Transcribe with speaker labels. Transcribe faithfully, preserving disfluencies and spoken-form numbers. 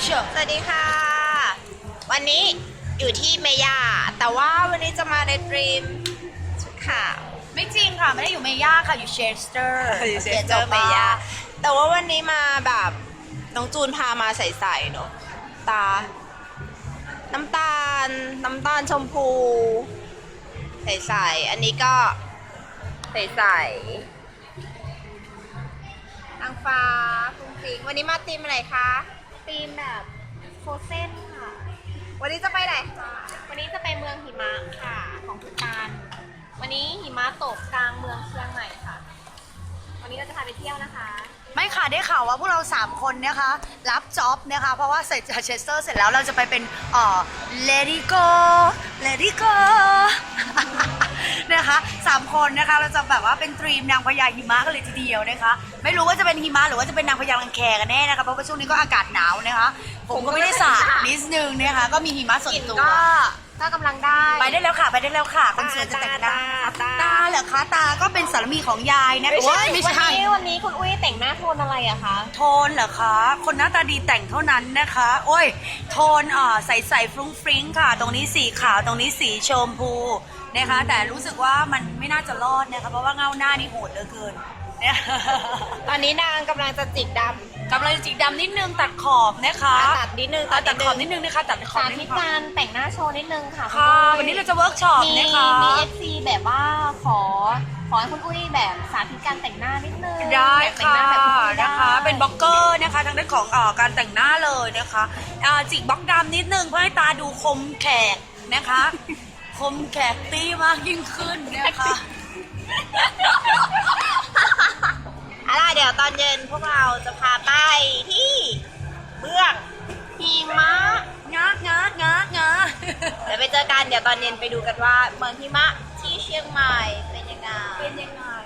Speaker 1: เชียว
Speaker 2: สวัสดีค่ะ วันนี้อยู่ที่เมย่าแต่ว่าวันนี้จะมาในดรีมชุดขาว
Speaker 1: ไม่จริงค่ะ ไม่ได้อยู่เมย่าค่ะอยู่เชสเตอร์
Speaker 2: อยู่เชสเตอร์เมย่าแต่ว่าวันนี้มาแบบน้องจูนพามาใส่ๆเนอะตา น้ำตาล น้ำตาลชมพู ใส่ๆอันนี้ก็ใส่ๆนางฟ้าฟุ้งฟิ้งวันนี้มาตีมอะไรคะ
Speaker 3: ธีมแบบโฟเซนค่ะ
Speaker 2: วันนี้จะไปไหน
Speaker 3: วันนี้จะไปเมืองหิมะค่ะของภูฏาน วันนี้หิมะตกกลางเมืองเชียงใหม่ค่ะ วันนี้เราจะพาไปเที่ยวนะคะ
Speaker 1: ไม่ค่ะได้ข่าวว่าพวกเราสามคนนะคะรับจ็อบนะคะเพราะว่าเสร็จจากเชสเตอร์เสร็จแล้วเราจะไปเป็นเอ่อ Lady Go Lady Go นะคะสามคนนะคะเราจะแบบว่าเป็นตรีมนางพญาหิมะกันเลยทีเดียวนะคะไม่รู้ว่าจะเป็นหิมะหรือว่าจะเป็นนางพญาลังแคกันแน่นะคะเพราะว่าช่วงนี้ก็อากาศหนาวนะคะผมก็ไม่ได้สระนิดนึงนะคะก็มีหิมะส่วนตัว
Speaker 3: ก็ก็กำลังได้
Speaker 1: ไปได้แล้วค่ะไปได้แล้วค่ะคนสวยจะแต่งหน้า
Speaker 2: ตา
Speaker 1: ตาเหรอคะตาก็เป็นสามีของยายนะโอ้ยไม่
Speaker 3: วัน
Speaker 1: ใช่
Speaker 3: นี้วันนี้คุณอุ้ยแต่งหน้าโทนอะไรอะคะ
Speaker 1: โทนเหรอคะ คนหน้าตาดีแต่งเท่านั้นนะคะ โอ้ย โทนอ่าใสใสฟรุ้งฟริ้งค่ะ ตรงนี้สีขาว ตรงนี้สีชมพูนะคะ แต่รู้สึกว่ามันไม่น่าจะรอดนะคะ เพราะว่าเงาหน้านี่โหดเหลือเกินเนี่ย
Speaker 2: ตอนนี้นางกำลังจะจิกด
Speaker 1: กำลังจิกดำนิดนึงตัดขอบนะคะ
Speaker 2: ำตัดนิดนึง
Speaker 1: ตัดตัดขอบนิดนึงนะคะ ตัดขอบ
Speaker 3: สา
Speaker 1: นิด
Speaker 3: ธิ
Speaker 1: นึ
Speaker 3: ต
Speaker 1: งค่ะ
Speaker 3: การแต่งหน้าโชว์นิดนึงค่ะ
Speaker 1: ค่ะ
Speaker 3: คุณอุ้ย
Speaker 1: วันนี้เราจะเวิร์กช็อป
Speaker 3: มี
Speaker 1: นะคะ
Speaker 3: มีเอฟซีแบบว่าขอขอให้คุณอุ้ยแบบสาธิตการแต่งหน้านิดนึง
Speaker 1: ได้
Speaker 3: แต่ง
Speaker 1: ค่ะ
Speaker 3: หน้าแบบคุณอุ้ยได้
Speaker 1: นะคะ เป็นบล็อกเกอร์นะคะทางด้านของเอ่อการแต่งหน้าเลยนะคะอ่าจิกบล็อกดำนิดนึงเพื่อให้ตาดูคมแขกนะคะ คมแขกตี้มากยิ่งขึ้นนะคะ
Speaker 2: อะไรเดี๋ยวตอนเย็นพวกเราจะพาไปที่เมืองหิมะ
Speaker 1: งากงากงากงา
Speaker 2: เดี๋ยวไปเจอกันเดี๋ยวตอนเย็นไปดูกันว่าเมืองหิมะที่เชียงใหม่เป็นยังไง
Speaker 1: เป็นยังไง